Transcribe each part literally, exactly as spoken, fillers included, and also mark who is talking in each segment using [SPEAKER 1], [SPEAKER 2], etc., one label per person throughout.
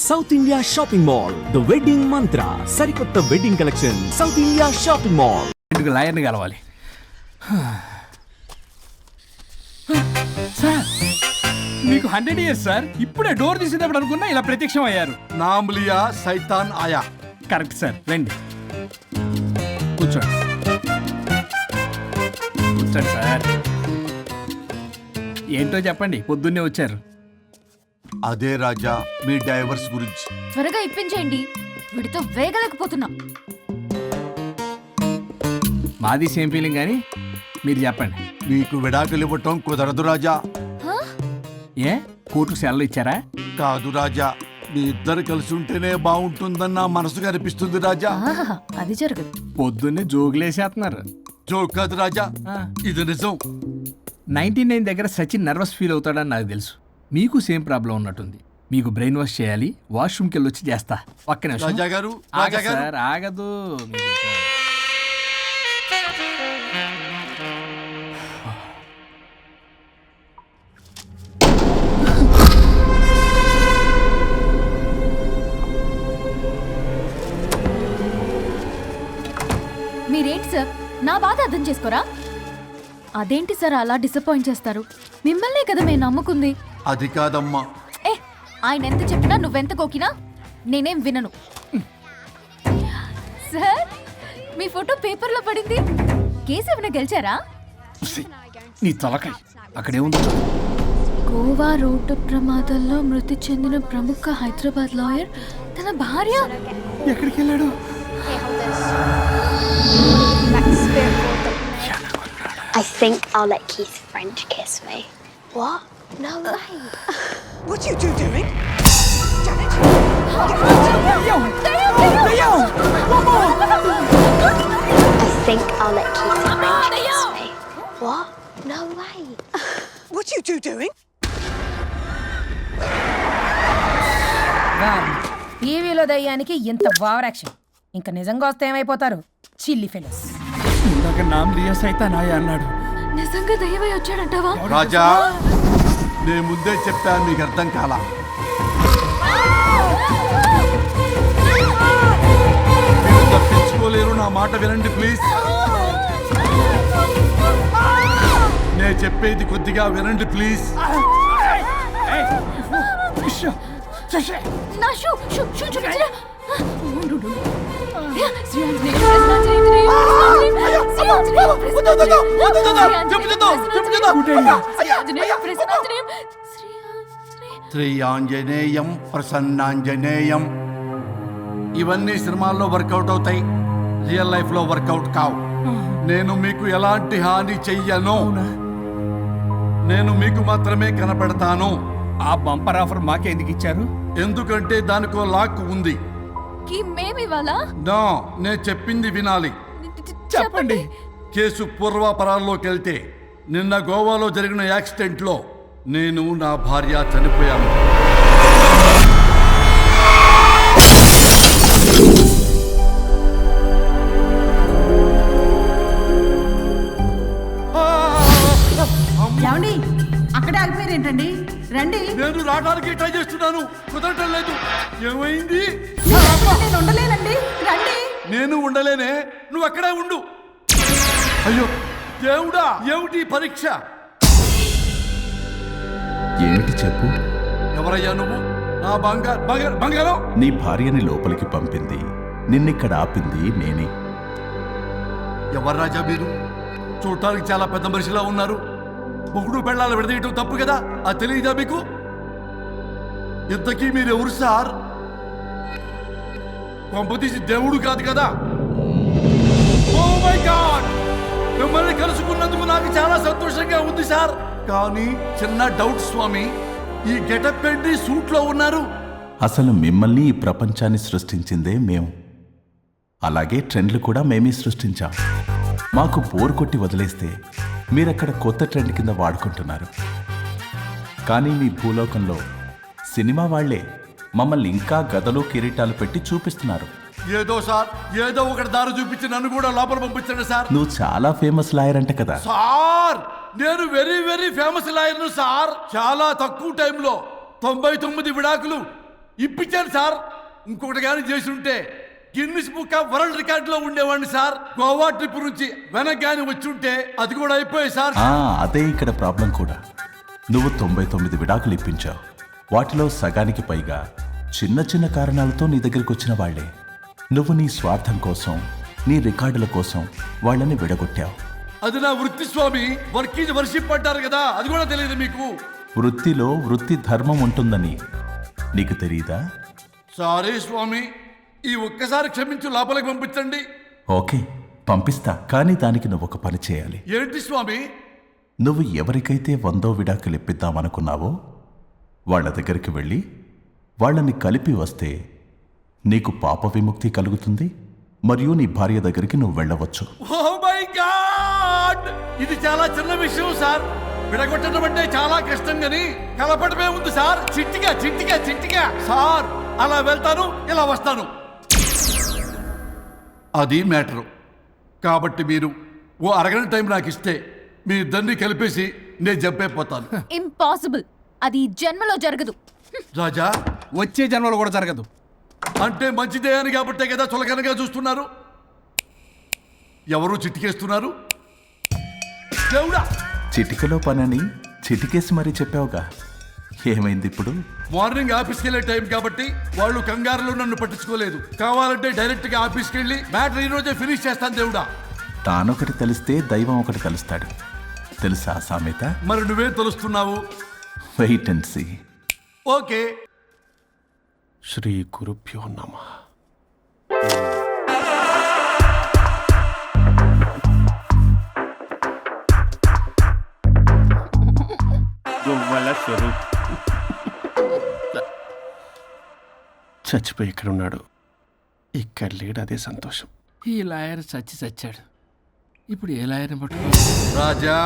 [SPEAKER 1] South India shopping mall the wedding Mantra సరికొత్త wedding collection South India shopping mall.
[SPEAKER 2] ఇంటికి లాయర్ని కలవాలి. సార్ మీకు హండ్రెడ్ ఇయర్స్ సార్. ఇప్పుడే డోర్ తీసేటప్పుడు అనుకున్నా ఇలా ప్రత్యక్షం అయ్యారు.
[SPEAKER 3] నామ్ లియా సైతాన్ ఆయా.
[SPEAKER 2] కరెక్ట్ సార్, రండి కూర్చోండి కూర్చోండి సార్. ఏంటో చెప్పండి, పొద్దున్నే వచ్చారు.
[SPEAKER 3] అదే రాజా మీ డైవర్స్ గురించి.
[SPEAKER 4] త్వరగా ఇప్పించేయండి, వీడితో వేగలేకపోతున్నా.
[SPEAKER 2] మాది సేమ్ ఫీలింగ్ కానీ మీరు చెప్పండి.
[SPEAKER 3] మీకు విడాకులు ఇవ్వటం కుదరదు రాజా.
[SPEAKER 2] ఏ కోర్టుకు సెలవు ఇచ్చారా?
[SPEAKER 3] కాదు రాజా, మీ ఇద్దరు కలిసి ఉంటేనే బాగుంటుందన్న మనసుకు అనిపిస్తుంది రాజా.
[SPEAKER 4] ఆహాహా, అది జరగదు.
[SPEAKER 2] పొద్దున్నే జోగులేసేస్తున్నారు.
[SPEAKER 3] జోక్ కాదు రాజా, ఇది నిజం.
[SPEAKER 2] నైన్టీ నైన్ దగ్గర సచిన్ నర్వస్ ఫీల్ అవుతాడని నాకు తెలుసు. మీకు సేమ్ ప్రాబ్లం ఉన్నట్టుంది. మీకు బ్రెయిన్ వాష్ చేయాలి. వాష్రూమ్కి వెళ్ళి వచ్చి చేస్తా. పక్కన
[SPEAKER 3] రాజా గారు, రాజా గారు.
[SPEAKER 2] సార్ ఆగదు.
[SPEAKER 4] మీరేంటి సార్ నా బాధ అర్థం చేసుకోరా? అదేంటి సార్ అలా డిసప్పాయింట్ చేస్తారు? మిమ్మల్నే కదా మేము నమ్ముకుంది.
[SPEAKER 3] అది కాదమ్మా.
[SPEAKER 4] ఏ ఆయన ఎంత చెప్పినా నువ్వెంత కోకినా నేనేం వినను. సార్ మీ ఫోటో పేపర్లో పడింది. కేసు ఏమైనా గెలిచారా?
[SPEAKER 2] నీ తలకాయ అక్కడేముంది?
[SPEAKER 4] గోవా రోడ్డు ప్రమాదంలో మృతి చెందిన ప్రముఖ హైదరాబాద్ లాయర్ తన భార్య
[SPEAKER 2] ఎక్కడికి వెళ్ళాడు?
[SPEAKER 5] I think I'll let Keith French kiss me. What? No way.
[SPEAKER 6] What are you two doing? Janet!
[SPEAKER 5] I think I'll let Keith French kiss me. What? No way.
[SPEAKER 6] What are you two doing?
[SPEAKER 7] టీవీలో దయ్యానికి ఇంత over action. ఇంకా నిజంగా వస్తే ఏమైపోతారు? చిల్లి fellows.
[SPEAKER 2] ఇందాక నామ్ లియా సైతాన్ ఆయా అన్నాడు.
[SPEAKER 4] నిజంగా దయ్యమై వచ్చాడంటావా?
[SPEAKER 3] రాజా నేను ముందే చెప్పాను, మీకు అర్థం కాలా. మీరు తప్పించుకోలేరు, నా మాట వినండి ప్లీజ్. నేను చెప్పేది కొద్దిగా వినండి ప్లీజ్.
[SPEAKER 4] నా షూ షూ షూ చూపించరా?
[SPEAKER 3] శ్రీ ఆంజనేయం ప్రసన్నాంజనేయం. ఇవన్నీ సినిమాల్లో వర్కౌట్ అవుతాయి, రియల్ లైఫ్ లో వర్కౌట్ కావు. నేను మీకు ఎలాంటి హాని చెయ్యను. నేను మీకు మాత్రమే కనపడతాను.
[SPEAKER 2] ఆ బంపర్ ఆఫర్ మాకే ఎందుకు ఇచ్చారు?
[SPEAKER 3] ఎందుకంటే దానికో లాక్ ఉంది.
[SPEAKER 4] మేమివాలా?
[SPEAKER 3] నా నేను చెప్పింది వినాలి.
[SPEAKER 2] చెప్పండి.
[SPEAKER 3] కేసు పూర్వాపరాల్లోకి వెళ్తే నిన్న గోవాలో జరిగిన యాక్సిడెంట్ లో నేను నా భార్య చనిపోయాను.
[SPEAKER 7] ఏమండి అక్కడే ఆగిపోయారు ఏంటండి? రండి.
[SPEAKER 3] నేను రావడానికి ట్రై చేస్తున్నాను, కుదరటం లేదు. ఏమైంది?
[SPEAKER 7] నేను ఉండలేనండి, రండి.
[SPEAKER 3] నేను ఉండలేనే, నువ్వు అక్కడే ఉండు. అయ్యో దేవుడా, ఏమిటి పరీక్ష?
[SPEAKER 8] ఏమిటి చెప్పు.
[SPEAKER 3] ఎవరయ్యా నువ్వు? నా బంగారు బంగారు బంగారం.
[SPEAKER 8] నీ భార్యని లోపలికి పంపింది, నిన్నిక్కడ ఆపింది నేనే.
[SPEAKER 3] ఎవరు రాజా మీరు? చూడటానికి చాలా పెద్ద మనిషిలా ఉన్నారు. మొగుడు పెళ్ళాలు విడదీయటం తప్పు కదా, అది తెలియదా మీకు? ఇంతకీ మీరు ఎవరు సార్? కొంపతీసి దేవుడు కాదు కదా? ఓ మై గాడ్, మిమ్మల్ని కలుసుకున్నందుకు నాకు చాలా సంతోషంగా ఉంది సార్. కానీ చిన్న డౌట్ స్వామి, ఈ గెటప్ పెట్టి సూట్ లో ఉన్నారు.
[SPEAKER 8] అసలు మిమ్మల్ని ఈ ప్రపంచాన్ని సృష్టించిందే మేము. అలాగే ట్రెండ్లు కూడా మేమే సృష్టించాం. మాకు బోర్ కొట్టి వదిలేస్తే మీరక్కడ కొత్త ట్రెండ్ కింద వాడుకుంటున్నారు. కానీ మీ భూలోకంలో సినిమా వాళ్లే మమ్మల్ని ఇంకా గదలు కిరీటాలు పెట్టి చూపిస్తున్నారు.
[SPEAKER 3] ఏదో సార్, ఏదో ఒకటి దారి చూపించి నన్ను కూడా లోపల పంపించండి సార్.
[SPEAKER 8] నువ్వు చాలా ఫేమస్ లాయర్ అంట కదా
[SPEAKER 3] సార్? నేను వెరీ వెరీ ఫేమస్ లాయర్ను సార్. చాలా తక్కువ టైంలో తొంభై తొమ్మిది విడాకులు ఇప్పించాను సార్. ఇంకొకటి కానీ చేసి ఉంటే Guinness book of world record లో ఉండేవాడిని సార్. గోవా ట్రిప్ నుంచి వెనక్ గాని వచ్చి ఉంటే అది కూడా అయిపోయాయి సార్.
[SPEAKER 8] ఆ, అదే ఇక్కడ ప్రాబ్లం కూడా. నువ్వు తొంభై తొమ్మిది విడాకులు ఇప్పించావు. వాటిలో సగానికి పైగా చిన్న చిన్న కారణాలతో నీ దగ్గరికి వచ్చిన వాళ్లే. నువ్వు నీ స్వార్థం కోసం, నీ రికార్డుల కోసం వాళ్ళని విడగొట్టావు.
[SPEAKER 3] అది నా వృత్తి స్వామి. వర్క్ ఈజ్ వర్షిప్ అంటారు కదా, అది కూడా తెలియదు మీకు.
[SPEAKER 8] వృత్తిలో వృత్తి ధర్మం ఉంటుందని నీకు తెలియదా?
[SPEAKER 3] సారీ స్వామి, ఈ ఒక్కసారి క్షమించు, లోపలికి పంపించండి.
[SPEAKER 8] ఓకే, పంపిస్తా. కానీ దానికి నువ్వు ఒక పని చేయాలి.
[SPEAKER 3] ఏంటి స్వామి?
[SPEAKER 8] నువ్వు ఎవరికైతే వందో విడాకులు ఇప్పిద్దామనుకున్నావో వాళ్ళ దగ్గరికి వెళ్ళి వాళ్ళని కలిపి వస్తే నీకు పాప విముక్తి కలుగుతుంది, మరియు నీ భార్య దగ్గరికి నువ్వు వెళ్ళవచ్చు.
[SPEAKER 3] ఓ మై గాడ్, ఇది చాలా చిన్న విషయం సార్. విడగొట్టడం అంటే చాలా కష్టం గని కలపడమే ఉంది సార్. చిట్టిగా చిట్టిగా చిట్టిగా సార్. అలా వెళ్తాను, ఇలా వస్తాను. అది మ్యాటరు. కాబట్టి మీరు ఓ అరగంట టైం నాకు ఇస్తే మీ ఇద్దరిని కలిపేసి నేను చంపైపోతాను.
[SPEAKER 4] ఇంపాసిబుల్. అది ఈ జన్మలో జరగదు.
[SPEAKER 3] రాజా,
[SPEAKER 2] వచ్చే జన్మలో కూడా జరగదు.
[SPEAKER 3] అంటే మంచిదే అని కాబట్టే కదా చులకనగా చూస్తున్నారు. ఎవరు చిట్టికేస్తున్నారు? దేవుడా,
[SPEAKER 8] చిటికలో పనని చిటికేసి మరీ చెప్పావుగా. ఏమైంది ఇప్పుడు?
[SPEAKER 3] మార్నింగ్ ఆఫీస్కి వెళ్ళే టైం కాబట్టి వాళ్ళు కంగారులో నన్ను పట్టించుకోలేదు. కావాలంటే డైరెక్ట్ గా ఆఫీస్కి వెళ్ళి మ్యాటర్ ఈ రోజే ఫినిష్ చేస్తాను. దేవుడా,
[SPEAKER 8] తానొకటి తెలిస్తే దైవం ఒకటి కలుస్తాడు. తెలుసా సామెత?
[SPEAKER 3] మరి నువ్వే తెలుస్తున్నావు.
[SPEAKER 8] Wait and see.
[SPEAKER 3] ఓకే.
[SPEAKER 9] శ్రీ గురుభ్యో నమః. గొవ్వల స్వరూప్ చచ్చిపోయి ఇక్కడ ఉన్నాడు. ఇక్కడ లేడు, అదే సంతోషం.
[SPEAKER 2] ఈ లాయర్ చచ్చి చచ్చాడు. ఇప్పుడు ఏ లాయర్ని పట్టుకో?
[SPEAKER 3] రాజా,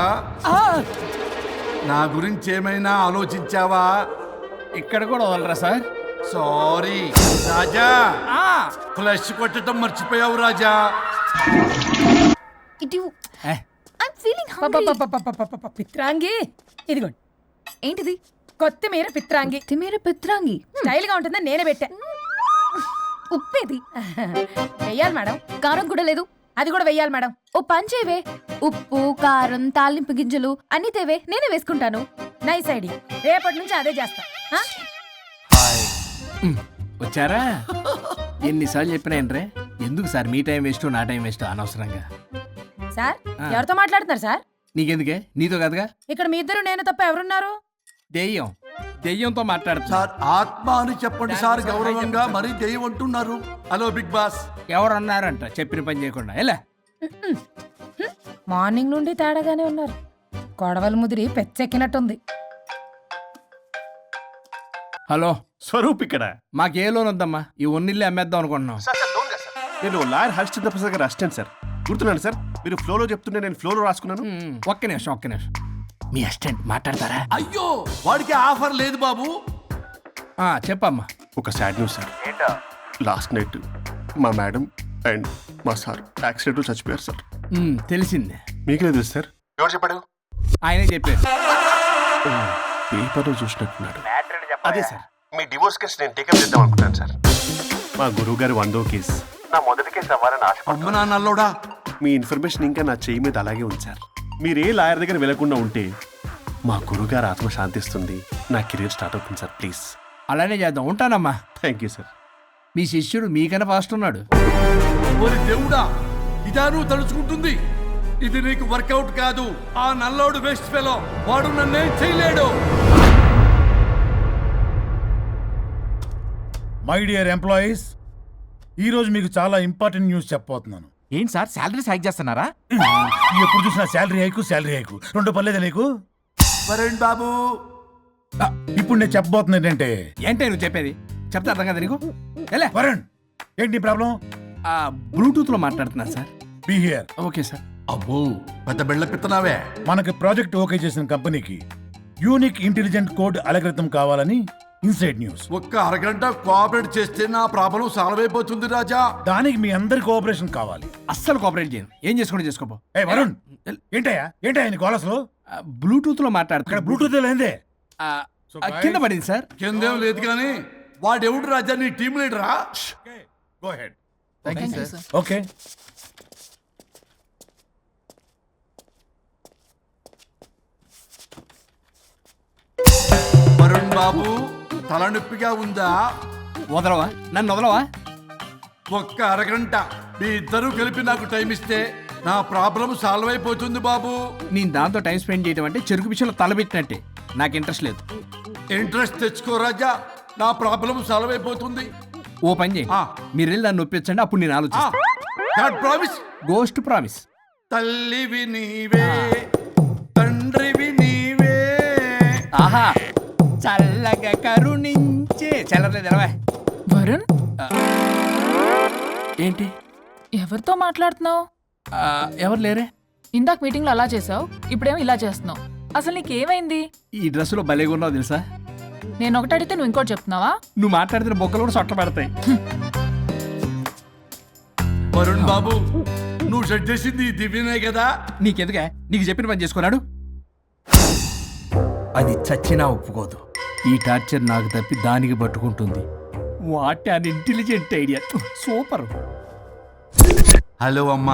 [SPEAKER 3] నా గురించి ఏమైనా ఆలోచించావా?
[SPEAKER 2] ఇక్కడ కూడా వదలరా సార్?
[SPEAKER 3] సారీ రాజా, ఫ్లష్ కొట్టడం మర్చిపోయావు రాజా.
[SPEAKER 4] ఇటు
[SPEAKER 2] ఏ,
[SPEAKER 4] ఐమ్ ఫీలింగ్ హంగ్రీ.
[SPEAKER 7] పపపపపపపప, పిత్రాంగి ఇదిగోండి.
[SPEAKER 4] ఏంటిది?
[SPEAKER 7] కొత్తిమీర పిత్రాంగి.
[SPEAKER 4] తిమేర పిత్రాంగి.
[SPEAKER 7] స్టైల్ గా ఉంటుందని నేనే పెట్టా.
[SPEAKER 4] ఉప్పేది?
[SPEAKER 7] వెయ్యాలి మేడం.
[SPEAKER 4] కారం కూడా లేదు.
[SPEAKER 7] అది కూడా వెయ్యాలి మేడం.
[SPEAKER 4] ఓ పంచేవే. ఉప్పు, కారం, తాలింపు గింజలు అన్ని తేవే, నేనే వేసుకుంటాను.
[SPEAKER 7] Nice idea. రేపటి నుంచి అదే చేస్తా. ఆ?
[SPEAKER 2] వచ్చారా? ఎన్నిసార్లు చెప్పినా ఏంట్రే? ఎందుకు సార్ మీ టైం వేస్ట్, నా టైం వేస్ట్ అనవసరంగా?
[SPEAKER 7] సార్,
[SPEAKER 2] ఆ.
[SPEAKER 7] ఎవరితో మాట్లాడుతున్నారు సార్?
[SPEAKER 2] నీకెందుకే? నీతో కదగా.
[SPEAKER 7] ఇక్కడ మీ ఇద్దరు నేను తప్ప ఎవరున్నారు?
[SPEAKER 2] దెయ్యం. దెయ్యంతో మాట్లాడుతున్నా.
[SPEAKER 3] సార్, ఆత్మ అని చెప్పండి సార్ గౌరవంగా. మరీ దెయ్యం అంటున్నారు. Hello big boss.
[SPEAKER 2] ఎవరు అన్నారంట చెప్పిన పని చేయకుండా? ఎలా?
[SPEAKER 7] మార్నింగ్ నుండి తేడాగానే ఉన్నారు. గొడవల ముదిరి పెచ్చెక్కినట్టుంది.
[SPEAKER 2] హలో,
[SPEAKER 9] స్వరూప్ ఇక్కడ.
[SPEAKER 2] మాకే లోన్ వద్దమ్మా. ఈ ఒన్నిల్లు అమ్మేద్దాం అనుకుంటున్నాం.
[SPEAKER 9] నేను లాయర్ హరిశ్చంద్ర ప్రసాద్ గారు అసిస్టెంట్ సార్. గుర్తున్నాను సార్, మీరు ఫ్లోలో చెప్తుంటే నేను ఫ్లోలో రాసుకున్నాను.
[SPEAKER 2] ఉమ్, ఒక్క నిమిషం ఒక్క నిమిషం. మీ అసిస్టెంట్ మాట్లాడతారా?
[SPEAKER 3] అయ్యో, వాడికి ఆఫర్ లేదు బాబు.
[SPEAKER 2] ఆ, చెప్పమ్మా.
[SPEAKER 9] ఒక sad news sir. Last night మా మేడం అండ్ మా సార్ యాక్సిడెంట్ చచ్చిపోయారు సార్.
[SPEAKER 2] ఉమ్, తెలిసిందే.
[SPEAKER 9] మీకే తెలుసు సార్. ఎవరు చెప్పాడు?
[SPEAKER 2] ఆయనే చెప్పారు.
[SPEAKER 9] పేపర్లో చూసినట్టున్నాడు. అదే సార్, మీ డివోర్స్ కేసు నేను టేకప్ చేద్దాం అనుకుంటాను సార్. మా గురువు గారి వందో కేసు నా మొదటి కేసు అవ్వాలని ఆశ.
[SPEAKER 3] అమ్మ నాన్నల్లోడా,
[SPEAKER 9] మీ ఇన్ఫర్మేషన్ ఇంకా నా చేయి మీద అలాగే ఉంది సార్. మీరు ఏ లాయర్ దగ్గర వెళ్లకుండా ఉంటే మా గురువుగారు ఆత్మ శాంతిస్తుంది, నా కెరీర్ స్టార్ట్ అవుతుంది సార్. ప్లీజ్
[SPEAKER 2] అలానే చేద్దాం. ఉంటానమ్మా.
[SPEAKER 9] Thank you sir.
[SPEAKER 2] మీ శిష్యుడు మీకన్నా ఫాస్ట్ ఉన్నాడు.
[SPEAKER 3] ఓరి దేవుడా, ఇదా నువ్వు తలుచుకుంటుంది? ఇది నీకు వర్కౌట్ కాదు. ఆ నల్లోడు వేస్ట్ ఫెలో, వాడు నన్నేం చేయలేడు.
[SPEAKER 10] మై డియర్ ఎంప్లాయీస్, ఈరోజు మీకు చాలా ఇంపార్టెంట్ న్యూస్ చెప్పబోతున్నాను.
[SPEAKER 1] ఏంటి సార్ శాలరీస్ హైక్ చేస్తున్నారా?
[SPEAKER 10] ఎప్పుడు చూసినా శాలరీ హైకు శాలరీ హైకు రెండు పర్లేదా నీకు?
[SPEAKER 3] వరుణ్ బాబు,
[SPEAKER 10] ఆ, ఇప్పుడు నేను చెప్పబోతున్నా ఏంటంటే,
[SPEAKER 2] ఏంటే నువ్వు చెప్పేది? చెప్తా అర్థం కదా నీకు? ఎలా?
[SPEAKER 10] వరుణ్, ఏంటి ప్రాబ్లం?
[SPEAKER 2] ఆ, బ్లూటూత్ లో మాట్లాడుతున్నాను sir.
[SPEAKER 10] Be here.
[SPEAKER 2] Okay sir.
[SPEAKER 3] అబ్బో, పెద్ద బిళ్ళ పిత్తనావే.
[SPEAKER 10] మనకి ప్రాజెక్ట్ ఓకే చేసిన కంపెనీకి యూనిక్ ఇంటెలిజెంట్ కోడ్ అలకృతం కావాలని ఇన్సైడ్ న్యూస్.
[SPEAKER 3] ఒక్క అరగంట కోఆపరేట్ చేస్తే నా ప్రాబ్లం సాల్వ్ అయిపోతుంది రాజా.
[SPEAKER 10] దానికి మీ అందరి కోఆపరేషన్ కావాలి.
[SPEAKER 2] అస్సలు కోఆపరేట్ చేయను. ఏం చేసుకుంటే చేసుకోపో.
[SPEAKER 10] ఏ వరుణ్, ఏంటయ్యా ఏంటయ్యా నీ గోలసలు?
[SPEAKER 2] బ్లూటూత్ లో
[SPEAKER 10] ఇక్కడ
[SPEAKER 2] మాట్లాడుతున్నా.
[SPEAKER 10] బ్లూటూత్ లేదే.
[SPEAKER 2] ఆ, ఆ, కింద పడింది సార్.
[SPEAKER 3] కిందేం లేదు కానీ వాడెవడు రాజా నీ టీం లీడరా?
[SPEAKER 10] గో హెడ్ ఓకే
[SPEAKER 3] వరుణ్ బాబు తలనొప్పిగా ఉందా?
[SPEAKER 2] వదలవా నన్ను వదలవా?
[SPEAKER 3] ఒక్క అరగంట మీ ఇద్దరూ కలిపి నాకు టైం ఇస్తే నా ప్రాబ్లం సాల్వ్ అయిపోతుంది బాబు.
[SPEAKER 2] నేను దాంతో టైం స్పెండ్ చేయడం అంటే చెరుకు విషయంలో తలబెట్టినట్టే. నాకు ఇంట్రెస్ట్ లేదు.
[SPEAKER 3] ఇంట్రెస్ట్ తెచ్చుకో రాజా, నా ప్రాబ్లం సాల్వ్ అయిపోతుంది.
[SPEAKER 2] ఓ పని చేయి,
[SPEAKER 3] ఆ.
[SPEAKER 2] మీరు వెళ్ళి నన్ను ఒప్పించండి, అప్పుడు నేను ఆలోచిస్తాను.
[SPEAKER 3] God promise.
[SPEAKER 2] Ghost promise.
[SPEAKER 3] తల్లివి నీవే, తండ్రివి నీవే.
[SPEAKER 2] ఆహా, చల్లగా కరుణించే చల్లలేదు ఎలవా.
[SPEAKER 11] వరుణ్,
[SPEAKER 2] ఏంటి
[SPEAKER 11] ఎవరితో మాట్లాడుతున్నావు?
[SPEAKER 2] ఆ, ఎవరు లేరే?
[SPEAKER 11] ఇందాక మీటింగ్ లో అలా చేసావు, ఇప్పుడేమో ఇలా చేస్తున్నావు. అసలు నీకేమైంది?
[SPEAKER 2] ఈ డ్రెస్సులో భలేగా ఉన్నావు తెలుసా?
[SPEAKER 11] నేను ఒకటి అడిగితే నువ్వు ఇంకోటి చెప్తున్నావా?
[SPEAKER 2] నువ్వు మాట్లాడితే బొక్కలు కూడా సొట్ట పడతాయి.
[SPEAKER 3] వరుణ్ బాబు, నువ్వు సెట్ చేసింది ఈ దివ్యనే కదా?
[SPEAKER 2] నీకెందుకే? నీకు చెప్పిన పని చేసుకున్నాడు. అది చచ్చినా ఒప్పుకోదు. ఈ టార్చర్ నాకు తప్పి దానికి పట్టుకుంటుంది. What an unintelligent idea. Super.
[SPEAKER 3] Hello అమ్మా.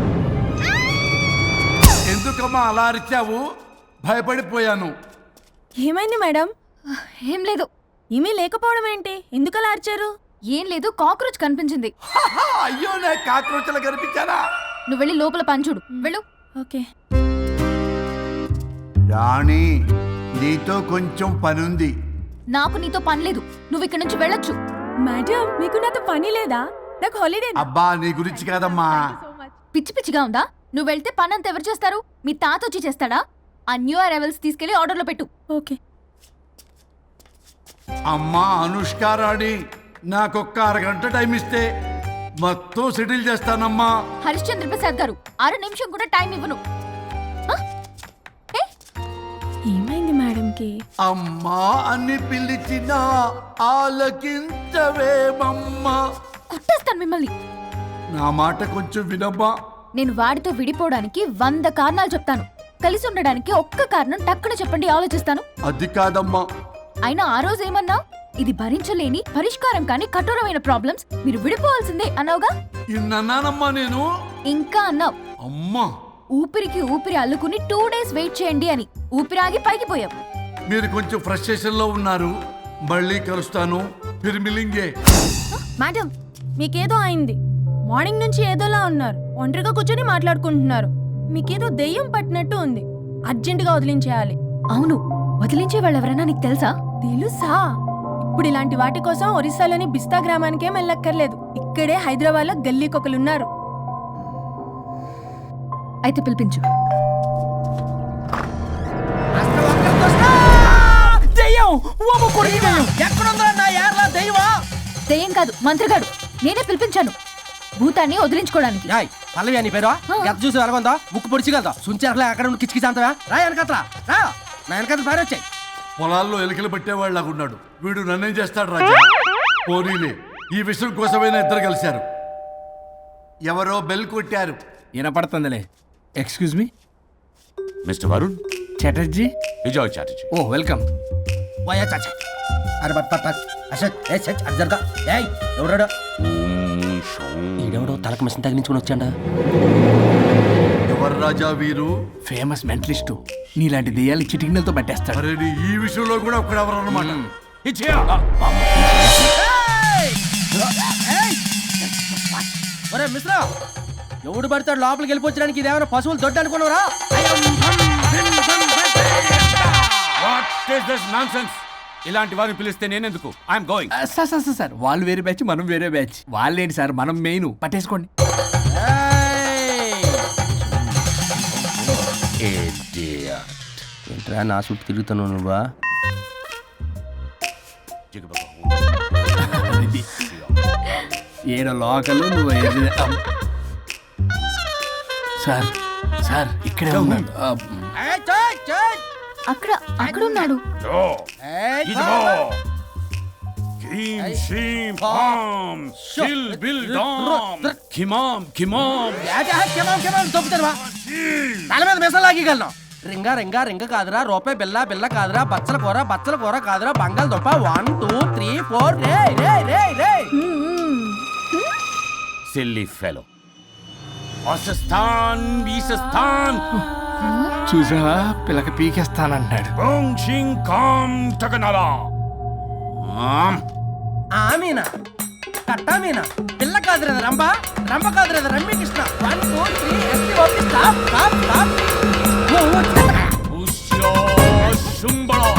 [SPEAKER 3] ఎందుకమ్మా అలా అరిచావు? భయపడిపోయాను.
[SPEAKER 7] ఏమైంది మేడం?
[SPEAKER 4] ఏం లేదు.
[SPEAKER 7] ఏమీ లేకపోవడం ఏంటి? ఎందుకలా అరిచారు?
[SPEAKER 4] ఏం లేదు, కాక్రోచ్ కనిపించింది.
[SPEAKER 3] హహ, అయ్యో నా కాక్రోచలు కనిపించారా?
[SPEAKER 4] నువ్వు వెళ్ళి లోపల పని చూడు. వెళ్ళు.
[SPEAKER 7] ఓకే.
[SPEAKER 3] రాణి, నీతో కొంచెం పనుంది.
[SPEAKER 4] నాకు నీతో పని లేదు. నువ్వు ఇక్కడ నుంచి వెళ్ళొచ్చు.
[SPEAKER 7] మేడం, మీకు నాతో పని లేదా? నాకు హాలిడే.
[SPEAKER 3] అబ్బా, నీ గురించి కాదమ్మా.
[SPEAKER 4] పిచ్చి పిచ్చిగా ఉందా? నువ్వు వెళ్తే పని అంతా ఎవరు చేస్తారు? మీ తాత వచ్చి చేస్తాడా? ఆ న్యూ అరైవల్స్ తీసుకెళ్లి ఆర్డర్లో పెట్టు.
[SPEAKER 7] ఓకే.
[SPEAKER 3] అమ్మా అనుష్క రాణి, నాకొక్క అరగంట టైం ఇస్తే మొత్తం సెటిల్ చేస్తానమ్మా.
[SPEAKER 4] హరిశ్చంద్ర ప్రసాద్ గారు, అర నిమిషం కూడా టైం ఇవ్వను. ఆ? ఏ?
[SPEAKER 7] ఏమైంది మేడంకి?
[SPEAKER 3] అమ్మా అని పిలిచిన ఆలకించవేమమ్మా.
[SPEAKER 4] కుట్టేస్తాను మిమ్మల్ని.
[SPEAKER 3] నా మాట కొంచెం వినమ్మా.
[SPEAKER 4] నేను వాడితో విడిపోవడానికి వంద కారణాలు చెప్తాను. కలిసి ఉండడానికి ఒక్క కారణం టక్కున చెప్పండి, ఆలోచిస్తాను.
[SPEAKER 3] అది కాదమ్మా.
[SPEAKER 4] అయినా ఆ రోజు ఏమన్నా? ఇది భరించలేని పరిష్కారం కాని కఠోరమైన ప్రాబ్లమ్స్, మీరు విడిపోవాల్సిందే అన్నావుగా.
[SPEAKER 3] ఇన్నానమ్మా నేను.
[SPEAKER 4] ఇంకా అన్నావు.
[SPEAKER 3] అమ్మా,
[SPEAKER 4] ఊపిరికి ఊపిరి అల్లుకుని టూ డేస్ వెయిట్ చేయండి అని. ఊపిరాగి పైకి పోయావు.
[SPEAKER 3] మీరు కొంచెం ఫ్రస్ట్రేషన్ లో ఉన్నారు. మళ్ళీ కలుస్తాను. ఫిర్మిలింగే.
[SPEAKER 7] మేడం, మీకేదో అయింది. మార్నింగ్ నుంచి ఏదోలా ఉన్నారు. ఒంటరిగా కూర్చొని మాట్లాడుకుంటున్నారు. మీకేదో దెయ్యం పట్టినట్టు ఉంది. అర్జెంటుగా వదిలించేయాలి.
[SPEAKER 4] అవును, వదిలించే వాళ్ళెవరైనా నీకు తెలుసా?
[SPEAKER 7] తెలుసా? ఇప్పుడు ఇలాంటి వాటి కోసం ఒరిస్సాలోని బిస్తా గ్రామానికేం వెళ్ళక్కర్లేదు. ఇక్కడే హైదరాబాద్ లో గల్లీకొకలున్నారు.
[SPEAKER 4] అయితే పిలిపించు. దెయ్యం కాదు, మంత్రగాడు. నేనే పిలిపించాను భూతాన్ని వదిలించుకోవడానికి.
[SPEAKER 12] పల్లవి అని పేరు ఎంత చూసి వెలగొందా? ముక్కు పొడిచిగలదా? సుంచరలే అక్కడ ఉండి కిచకిచ అంతవా? రా వెనకట్రా, రా నా వెనకత్ర పారి వచ్చాయి.
[SPEAKER 3] పొలాల్లో ఎలుకలు పట్టేవాళ్ళగా ఉన్నాడు వీడు. నన్నేం చేస్తాడు రాజా? పోనీలే, ఈ విషయం కోసమైనా ఇద్దరు కలిశారు. ఎవరో బెల్ కొట్టారు.
[SPEAKER 2] వినపడుతుందిలే. Excuse me
[SPEAKER 13] Mister Varun
[SPEAKER 2] Chatterjee.
[SPEAKER 13] Vijay Chatterjee.
[SPEAKER 2] Oh welcome.
[SPEAKER 12] వయా చాచా అరే బట్ పట్ పట్ అశోక్ ఏ సచ్ అర్జర్గా ఏయ్ ఎవరాడు? ఈడెవడో తలకు మిషన్ తగిలించుకుని వచ్చాడా?
[SPEAKER 3] ఎవరు రాజా వీరు?
[SPEAKER 2] Famous mentalist. నీలాంటి దెయ్యాలు చిటికినలతో పట్టేస్తాడు.
[SPEAKER 3] అరే నీ ఈ విషయంలో కూడా ఒకడు ఎవరు అన్నమాట.
[SPEAKER 12] ఒరే మిశ్రా, ఎవడు పడతాడు లోపలికి వెళ్ళిపోవడానికి? ఇదేమైనా పశువులు దొడ్డు అనుకున్నారా?
[SPEAKER 13] ఇలాంటి వారిని పిలిస్తే నేనెందుకు? I'm going.
[SPEAKER 2] Sir sir sir వాళ్ళు వేరే బ్యాచ్, మనం వేరే బ్యాచ్. వాళ్ళేంటి సార్, మనం మెయిన్. పట్టేసుకోండి.
[SPEAKER 12] ఏంట్రా నా చుట్టూ తిరుగుతాను నువ్వా?
[SPEAKER 2] ఏడో లోకలు నువ్వు ఏది- అమ్. సార్ సార్ ఇక్కడే ఉన్నాడు. అమ్.
[SPEAKER 4] అక్కడ అక్కడ ఉన్నాడు.
[SPEAKER 12] తల మీద మిసం లాగగలను. రింగా రింగా రింగ కాదురా రూపాయి బిల్ల బిల్ల కాదురా బచ్చల కూర బచ్చల కూర కాదురా బంగాళదుంప వన్ టూ త్రీ ఫోర్ రే రే రే రే
[SPEAKER 13] సిల్లీ ఫెలో అసస్థాన్ బీసస్థాన్
[SPEAKER 2] చూసావా పిల్లకి పీకేస్తానంటున్నాడు.
[SPEAKER 13] బోంగ్ షింగ్ కామ్ టకనలా ఆమ్
[SPEAKER 12] ఆమీనా కట్టా మీనా పిల్ల కాదురా రంభ రంభ కాదురా Ramya Krishna one two three S T O P stop stop stop
[SPEAKER 13] ఉష్యో శుంబళ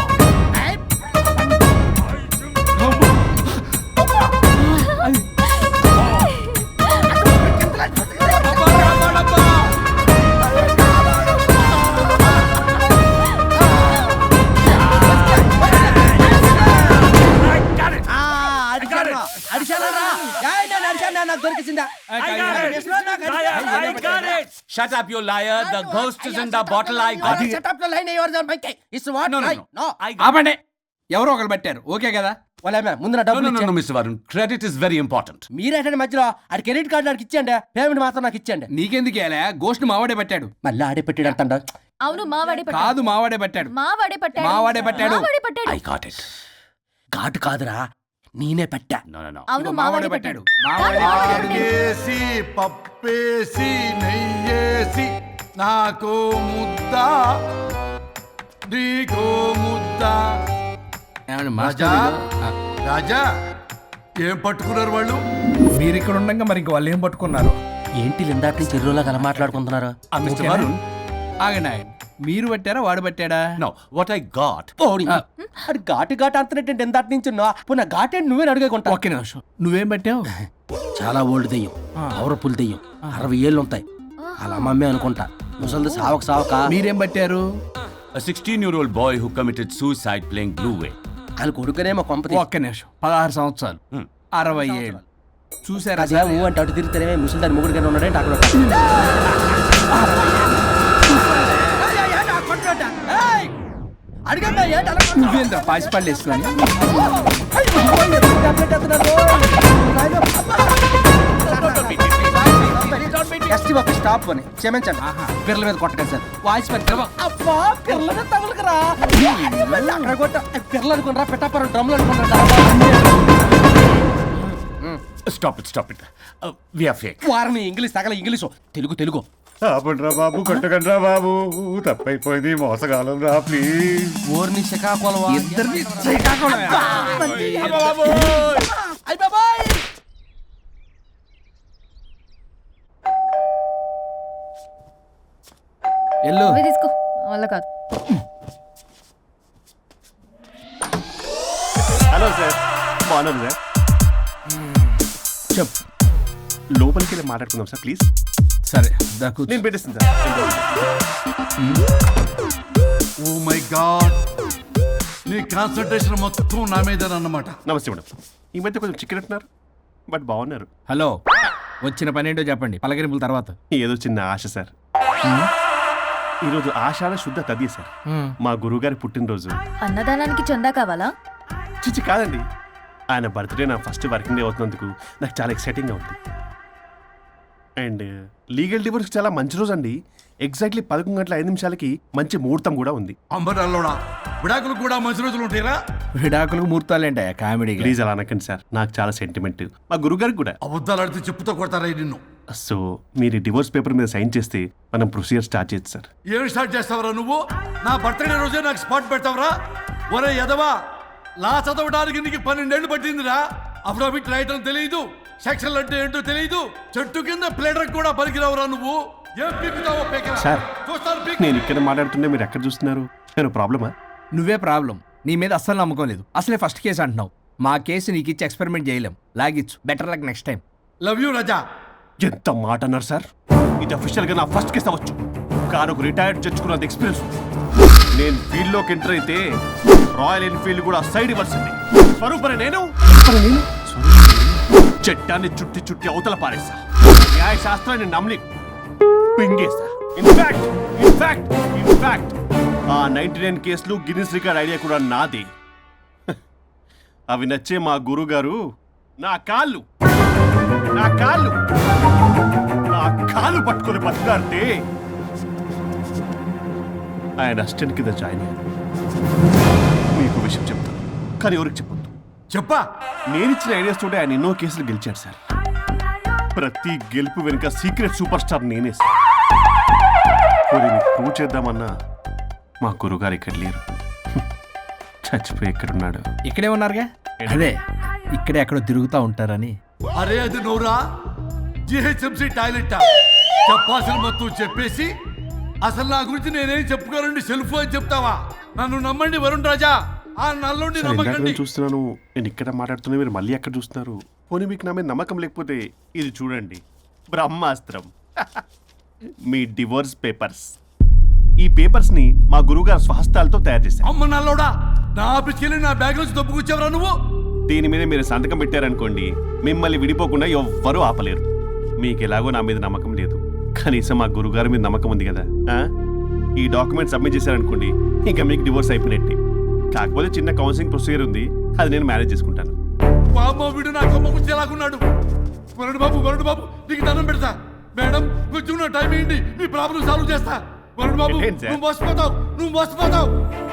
[SPEAKER 13] Shut up, you liar. The ghost is in the bottle. I got it.
[SPEAKER 12] Shut up the line. You are the mic. It's what?
[SPEAKER 13] No, no,
[SPEAKER 12] I-
[SPEAKER 13] no.
[SPEAKER 12] no.
[SPEAKER 13] I got
[SPEAKER 2] ఆపండి, ఎవరో ఒకరు పెట్టారు, okay కదా?
[SPEAKER 12] వాళ్ళ ముందు నా
[SPEAKER 13] it. No,
[SPEAKER 12] డబ్బులు
[SPEAKER 13] no, no, no,
[SPEAKER 12] ఇచ్చేయండి.
[SPEAKER 13] Mister Varun. Credit is very important.
[SPEAKER 12] మీరేటండి మధ్యలో ఆడి క్రెడిట్ కార్డు నాకు ఇచ్చేయండి పేమెంట్ మాత్రం నాకు ఇచ్చేయండి
[SPEAKER 2] నీకెందుకు ఇలా గోష్ట్ మావాడే పెట్టాడు.
[SPEAKER 12] మళ్ళీ ఆడే పెట్టాడు అంటండ
[SPEAKER 4] అవును మావాడే పట్టాడు.
[SPEAKER 2] కాదు మావాడే పెట్టాడు.
[SPEAKER 4] మావాడే పట్టాడు.
[SPEAKER 2] మావాడే పట్టాడు.
[SPEAKER 4] మావాడే పట్టాడు.
[SPEAKER 13] I got it.
[SPEAKER 12] ఘాటు కాదురా నేనే పెట్టా
[SPEAKER 13] No, no, no.
[SPEAKER 4] అవును
[SPEAKER 2] మావాడే
[SPEAKER 4] మావాడే
[SPEAKER 2] పెట్టాడు.
[SPEAKER 4] పట్టాడు.
[SPEAKER 2] మావాడే
[SPEAKER 4] కాదు,
[SPEAKER 2] పెట్టాడు.
[SPEAKER 3] ఆకేసి పప్పేసి నెయ్యేసి నాకు ముద్ద నీకో ముద్ద.
[SPEAKER 2] ఏమండి
[SPEAKER 3] రాజా
[SPEAKER 2] మాస్టర్ ఆ,
[SPEAKER 3] రాజా ఏం పట్టుకున్నారు వాళ్ళు?
[SPEAKER 2] మీరు ఇక్కడ ఉండగా మరి ఇంక వాళ్ళు ఏం పట్టుకున్నారు?
[SPEAKER 12] ఏంటి లిందాటి నుంచి చెరువులో కల మాట్లాడుకుంటున్నారు
[SPEAKER 13] Uh, Mister
[SPEAKER 2] ఓకేనా?
[SPEAKER 13] Varun.
[SPEAKER 2] ఆగండి ఆగండి. మీరు పట్టారా వాడు పట్టాడా?
[SPEAKER 13] No, what I got.
[SPEAKER 12] ఓడి అది ఘాటు ఘాటు అంతనేటంటే ఎందాటి నుంచి పున్న ఘాటు నువ్వే అడుగుకుంటా
[SPEAKER 2] ఒక్క నిమిషం, నువ్వేం పట్టావు?
[SPEAKER 12] చాలా ఓల్డ్ దెయ్యం పవర్ఫుల్ దెయ్యం అరవై ఏళ్ళు ఉంటాయి అలా అమ్మమ్మే అనుకుంటా ముసలిది సావక సావక
[SPEAKER 2] మీరేం పట్టారు?
[SPEAKER 13] A sixteen-year-old boy who committed suicide playing Blue Way.
[SPEAKER 12] వాళ్ళ కొడుకునేమో కొంపతి
[SPEAKER 2] ఒక్క నిమిషం, పదహారు సంవత్సరాలు,
[SPEAKER 13] Hmm.
[SPEAKER 2] అరవై ఏళ్ళు. చూసారా
[SPEAKER 12] అదే ఊ అంటే అటు తిరుగుతానే ముసలి దాని ముగ్గురు ఉన్నాడంటే అక్కడ అడిగమ్మా ఏంటి అలా
[SPEAKER 2] నువ్వేంద్ర పాసిపళ్ళు వేసుకొని?
[SPEAKER 12] ఎస్టీ బాబు స్టాప్ అని క్షమించండి పిల్లల మీద కొట్టకండి సార్ వాయిస్ పెద్ద అబ్బా పిల్లల మీద తగులుకురా అక్కడ కొట్ట పిల్లలు అనుకున్నారా పెట్టాపరం డ్రమ్లు అనుకున్నారా
[SPEAKER 13] Stop it, stop it. Uh, we are fake.
[SPEAKER 12] వారిని ఇంగ్లీష్ తగల ఇంగ్లీషు తెలుగు తెలుగు
[SPEAKER 9] ఆపండ్రా బాబు కొట్టకండ్రా బాబు తప్పైపోయింది మోసగాలం రా ప్లీజ్.
[SPEAKER 12] ఊరిని శ్రీకాకుళం
[SPEAKER 2] ఇద్దరిని శ్రీకాకుళం.
[SPEAKER 12] అయ్ బాబాయ్
[SPEAKER 2] ఎల్లు
[SPEAKER 4] నువ్వే తీసుకో వల్ల కాదు.
[SPEAKER 9] హలో సార్ బాగున్నాను సార్.
[SPEAKER 2] చెప్పు.
[SPEAKER 9] లోపలికి వెళ్ళి మాట్లాడుకుందాం సార్ ప్లీజ్.
[SPEAKER 2] సరే దాకు
[SPEAKER 9] నేను పెట్టేస్తాను సార్.
[SPEAKER 3] ఓ మై గాడ్, నీ కాన్సన్ట్రేషన్ మొత్తం నా మీద అన్నమాట.
[SPEAKER 9] నమస్తే మేడం. ఈ మధ్య కొంచెం చికెన్ అంటున్నారు బట్ బాగున్నారు.
[SPEAKER 2] హలో, వచ్చిన పని ఏంటో చెప్పండి, పలకరింపుల తర్వాత.
[SPEAKER 9] ఏదో చిన్న ఆశ సార్. ఈరోజు ఆషాఢ శుద్ధ తది సార్, మా గురువుగారి పుట్టినరోజు.
[SPEAKER 4] అన్నదానానికి చందా కావాలా?
[SPEAKER 9] చిచ్చి కాదండి, ఆయన బర్త్డే నా ఫస్ట్ వర్కింగ్ డే అవుతున్నందుకు నాకు చాలా ఎక్సైటింగ్గా ఉంది. అండ్ లీగల్ డివోర్స్కి చాలా మంచి రోజు అండి. ఎగ్జాక్ట్లీ పదకొండు గంటల ఐదు నిమిషాలకి మంచి ముహూర్తం కూడా ఉంది.
[SPEAKER 3] అంబరాల్లోడా విడాకులు కూడా మంచి రోజులు ఉంటాయిరా?
[SPEAKER 2] విడాకులకు ముహూర్తాలేంటా కామెడీ?
[SPEAKER 9] ప్లీజ్ అలా అనకండి సార్, నాకు చాలా సెంటిమెంట్, మా గురుగారికి కూడా.
[SPEAKER 3] అబద్ధాలు ఆడితే చెప్పుతో కొడతారా నిన్ను?
[SPEAKER 9] సో మీరు డివోర్స్ పేపర్ మీద సైన్ చేస్తే మనం ప్రొసీజర్ స్టార్ట్ చేయొచ్చు సార్.
[SPEAKER 3] ఏం స్టార్ట్ చేస్తావరా నువ్వు? నా బర్త్డే రోజే నాకు స్పాట్ పెడతావరా? ఒరే ఎదవా, లా చదవడానికి నీకు పన్నెండేళ్లు పట్టిందిరా. అఫిడవిట్ రాయటం తెలియదు, సెక్షన్ అంటే ఏంటో తెలియదు, చెట్టు కింద ప్లేడర్ కూడా పలికిరావురా నువ్వు. ఏం పీకుతావో పీకరా.
[SPEAKER 9] సార్
[SPEAKER 3] చూస్తాను పీక్.
[SPEAKER 9] నేను ఇక్కడ మాట్లాడుతుంటే మీరు ఎక్కడ చూస్తున్నారు? నేను ప్రాబ్లమా?
[SPEAKER 2] నువ్వే ప్రాబ్లం. నీ మీద అస్సలు నమ్మకం లేదు. అసలే ఫస్ట్ కేసు అంటున్నావు. మా కేసు నీకు ఇచ్చి ఎక్స్పెరిమెంట్ చేయలేం. లాగిచ్చు, better luck next time.
[SPEAKER 3] Love you Raja.
[SPEAKER 9] ఎంత మాట అన్నారు సార్. ఇది అఫీషియల్గా నా ఫస్ట్ కేసు అవ్వచ్చు, కానీ ఒక రిటైర్డ్ జడ్జ్కున్నది ఎక్స్పీరియన్స్. నేను ఫీల్డ్లోకి ఎంటర్ అయితే రాయల్ ఎన్ఫీల్డ్ కూడా సైడ్ ఇవ్వాల్సింది. స్వరూపరే నేను చట్టాన్ని చుట్టి చుట్టి అవతల పారేసా. న్యాయ శాస్త్రాన్ని నమ్మి పింగేసా. ఇన్ఫాక్ట్ ఇన్ఫాక్ట్ ఇన్ఫాక్ట్ ఆ నైన్టీ నైన్ కేసులు గిన్నిస్ రికార్డ్ ఐడియా కూడా నాదే. అవి నచ్చే మా గురుగారు నా కాళ్ళు నా కాళ్ళు నా కాళ్ళు పట్టుకొని బతుకాడితే ఆయన అసిస్టెంట్ కింద జాయిన్ అయ్యాను. మీకు విషయం చెప్తాను, కానీ ఎవరికి చెప్పొద్దు.
[SPEAKER 3] చెప్పా.
[SPEAKER 9] నేను ఇచ్చిన ఐడియాస్ తోటి ఆయన ఎన్నో కేసులు గెలిచాడు సార్. ప్రతి గెలుపు వెనుక సీక్రెట్ సూపర్ స్టార్ నేనే సార్. పోనీ మీకు ప్రూవ్ చేద్దామన్నా మా గురుగారు ఇక్కడ లేరు. చచ్చిపోయి ఎక్కడున్నాడు?
[SPEAKER 2] ఇక్కడే ఉన్నారుగా. అదే ఇక్కడే ఎక్కడో తిరుగుతూ ఉంటారని.
[SPEAKER 3] అరే అది నోరా జిహెచ్ఎంసీ టాయిలెట్ చెప్పాల్సిన మొత్తం చెప్పేసి అసలు నా గురించి నేనేం చెప్పుకోనండి సెల్ఫ్ అని చెప్తావా? నన్ను నమ్మండి వరుణ్ రాజా, ఆ నల్లుండి
[SPEAKER 9] సార్, ఇందాక
[SPEAKER 3] నమ్మకండి.
[SPEAKER 9] నేను చూస్తున్నాను, నేను ఇక్కడ మాట్లాడుతున్నా, మీరు మళ్ళీ ఎక్కడ చూస్తున్నారు? పోనీ మీకు నా మీద నమ్మకం లేకపోతే ఇది చూడండి, బ్రహ్మాస్త్రం. మీ డివోర్స్ పేపర్స్. ఈ పేపర్స్ ని మా గురువుగారు స్వహస్తాలతో తయారు చేశారు.
[SPEAKER 3] అమ్మ నల్లోడా, నా ఆఫీస్కి వెళ్ళి నా బ్యాగ్ నుంచి దొప్పుకొచ్చావరా నువ్వు?
[SPEAKER 9] దీని మీద మీరు సంతకం పెట్టారనుకోండి, మిమ్మల్ని విడిపోకుండా ఎవ్వరూ ఆపలేరు. మీకు ఎలాగో నా మీద నమ్మకం లేదు, కనీసం మా గురుగారి మీద నమ్మకం ఉంది కదా. ఆ? ఈ డాక్యుమెంట్ సబ్మిట్ చేశారనుకోండి, ఇంకా మీకు డివోర్స్ అయిపోయినట్టే. కాకపోతే చిన్న కౌన్సిలింగ్ ప్రొసీజర్ ఉంది, అది నేను మేనేజ్ చేసుకుంటాను.
[SPEAKER 3] బామ్మ వీడు నా కొమ్మ గురించి ఎలాగున్నాడు? వరుణ్ బాబు వరుణ్ బాబు నీకు దండం పెడతా. మేడం కొంచెం నా టైం ఏంటి, నీ ప్రాబ్లం సాల్వ్ చేస్తా. వరుణ్ బాబు
[SPEAKER 9] ఏంటి సార్?
[SPEAKER 3] నువ్వు మోసపోతావు, నువ్వు మోసపోతావు.